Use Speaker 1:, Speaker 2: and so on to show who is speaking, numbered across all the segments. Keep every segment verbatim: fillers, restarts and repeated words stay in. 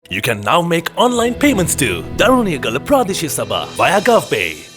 Speaker 1: You can now make online payments to Daruniyagala Pradesh Sabha via GovPay.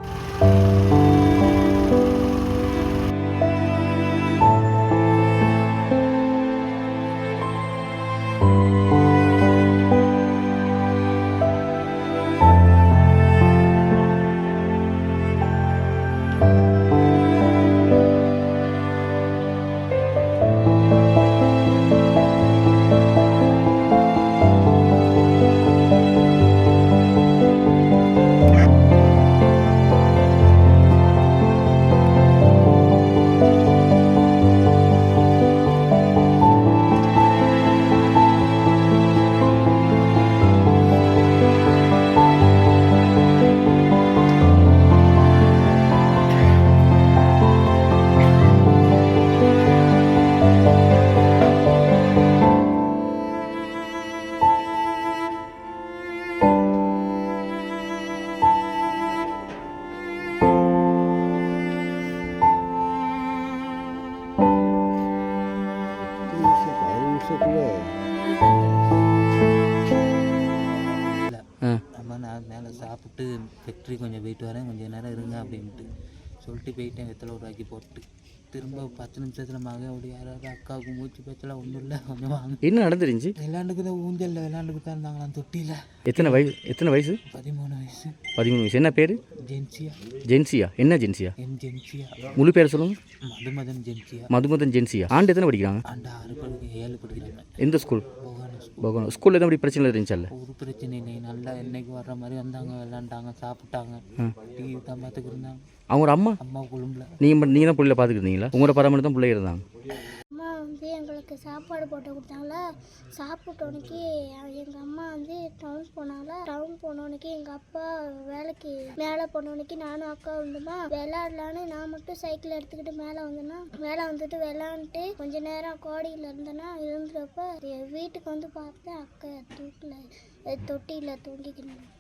Speaker 2: நம்ம நான் மேலே சாப்பிட்டு ஃபேக்ட்ரி கொஞ்சம் போயிட்டு வரேன், கொஞ்சம் நேரம் இருங்க அப்படின்ட்டு சொல்லிட்டு போயிட்டேன். வெத்தலை உருவாக்கி போட்டு திரும்ப பத்து நிமிஷத்தில் மகன் அப்படி யாராவது அக்காவுக்கு மூச்சு பேச்செல்லாம் ஒன்றும் இல்லை, கொஞ்சம் வாங்க.
Speaker 3: என்ன நடந்துருந்துச்சு?
Speaker 2: விளாண்டுக்கு தான் ஊஞ்சலில் விளாண்டுக்கு தான் இருந்தாங்களாம் தொட்டியில்.
Speaker 3: எத்தனை வயசு எத்தனை வயசு?
Speaker 2: பதிமூணு வயசு.
Speaker 3: பதிமூணு வயசு. என்ன பேர்?
Speaker 2: ஜென்சியா.
Speaker 3: ஜென்சியா? என்ன ஜென்சியா?
Speaker 2: என் ஜென்சியா.
Speaker 3: முழு பேர் சொல்லுங்க.
Speaker 2: மதுமதன் ஜென்சியா.
Speaker 3: மதுமதன் ஜென்சியா. ஆண்டு எத்தனை படிக்கிறாங்க?
Speaker 2: ஆண்டு ஆறு படிக்க ஏழு படிக்கிறாங்க.
Speaker 3: எந்த ஸ்கூல்?
Speaker 2: போகணும்.
Speaker 3: போகணும். ஸ்கூலில் எதாவது அப்படி பிரச்சனை இருந்துச்சல்ல?
Speaker 2: ஒரு பிரச்சனை இல்லை, நல்லா என்னைக்கு வர்ற மாதிரி வந்தாங்க, விளாண்டாங்க, சாப்பிட்டாங்க, டிவி தான் பார்த்துக்கிட்டு இருந்தாங்க.
Speaker 3: அவங்க அம்மா
Speaker 2: அம்மா குழும்புல.
Speaker 3: நீங்கள் நீங்கள் தான் பிள்ளைல பார்த்துக்கிட்டீங்களா? உங்களோட பராமரி தான் பிள்ளை இருந்தாங்க.
Speaker 4: அம்மா வந்து எங்களுக்கு சாப்பாடு போட்டு கொடுத்தாங்களா. சாப்பிட்டோன்னைக்கு எங்கள் அம்மா வந்து டவுன் போனாங்களா. டவுன் போனோன்னைக்கு எங்கள் அப்பா வேலைக்கு மேலே போனோன்னைக்கு நானும் அக்கா வந்துமா விளையாடலான்னு நான் மட்டும் சைக்கிள் எடுத்துக்கிட்டு மேலே வந்தேன்னா மேலே வந்துட்டு விளாண்டுட்டு கொஞ்ச நேரம் கோடியில் இருந்தேன்னா இருந்தப்ப வீட்டுக்கு வந்து பார்த்தேன் அக்கா தூக்கில் தொட்டியில் தூங்கிக்கணும்.